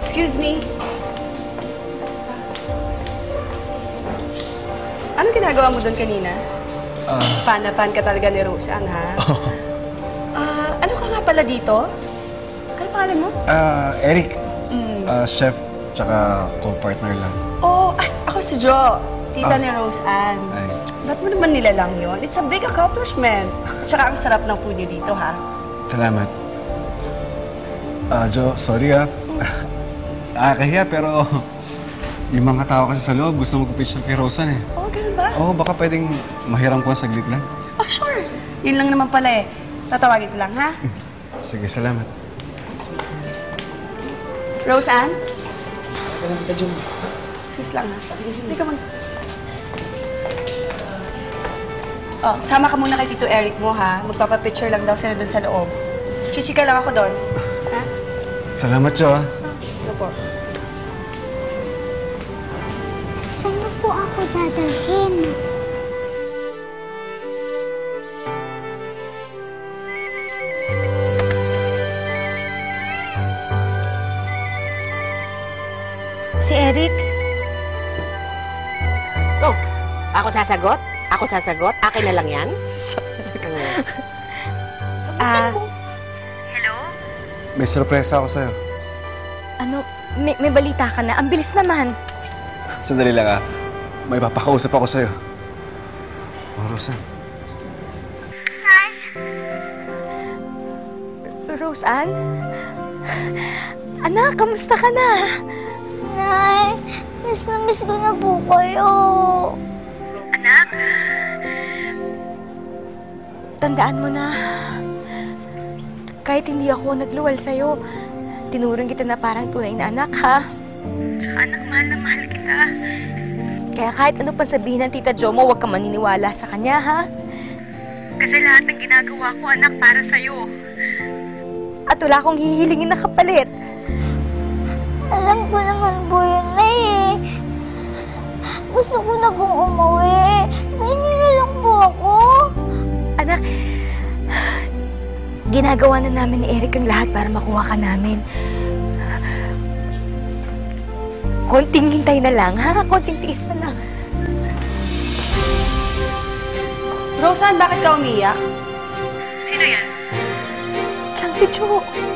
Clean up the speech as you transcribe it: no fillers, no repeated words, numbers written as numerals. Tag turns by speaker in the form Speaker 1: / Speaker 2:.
Speaker 1: Excuse me. Anong ginagawa mo doon kanina? Fan na fan ka talaga ni Roseanne, ha? Ano ka nga pala dito? Ano pangalan mo?
Speaker 2: Eric. Chef, tsaka co-partner lang.
Speaker 1: Oh, ako si Jo. Tita ni Roseanne.
Speaker 2: Ay.
Speaker 1: Ba't mo naman nilalang yun? It's a big accomplishment. Tsaka ang sarap ng food niyo dito, ha?
Speaker 2: Salamat. Jo, sorry Nakakahiya pero yung mga tao kasi sa loob gusto mag-picture kay Roseanne eh.
Speaker 1: Oh, ganun ba?
Speaker 2: Oo, baka pwedeng mahiram ko saglit lang.
Speaker 1: Oh, sure. Yun lang naman pala eh. Tatawagin ko lang, ha?
Speaker 2: Sige, salamat.
Speaker 1: Roseanne?
Speaker 3: Ganun kita, Jun.
Speaker 1: Excuse lang, ha?
Speaker 3: Sige, sige.
Speaker 1: Hindi ka mag... Oh, sama ka muna kay Tito Eric mo, ha? Magpapapicture lang daw sila dun sa loob. Chichika lang ako doon. Ha?
Speaker 2: Salamat, Jo.
Speaker 1: Ano po?
Speaker 4: Saan mo po ako dadalhin?
Speaker 5: Si Eric?
Speaker 6: Oh, ako sasagot? Ako sasagot? Akin na lang yan?
Speaker 5: Hello?
Speaker 2: May sorpresa ako sa'yo.
Speaker 5: Ano, may balita ka na? Ang bilis naman.
Speaker 2: Sandali lang May papakausap ako sa'yo. Oh, Roseanne.
Speaker 5: Roseanne? Anak, kamusta ka na?
Speaker 4: Nay, miss ko na po kayo.
Speaker 5: Anak? Tandaan mo na, kahit hindi ako nagluwal sa'yo, tinuring kita na parang tunay na anak, ha? Tsaka anak, mahal na mahal kita. Kaya kahit ano pang sabihin ng Tita Jo mo, huwag ka maniniwala sa kanya, ha? Kasi lahat ng ginagawa ko, anak, para sa'yo. At wala akong hihilingin na kapalit.
Speaker 4: Alam ko naman po yun, Nay eh. Gusto ko na pong umuwi. Sa inyo na lang po ako.
Speaker 5: Anak, ginagawa na namin ni Eric ang lahat para makuha ka namin. Konting hintay na lang, ha? Konting tiis na lang.
Speaker 1: Roseanne, bakit ka umiyak?
Speaker 5: Sino yan? Siyang si Jo.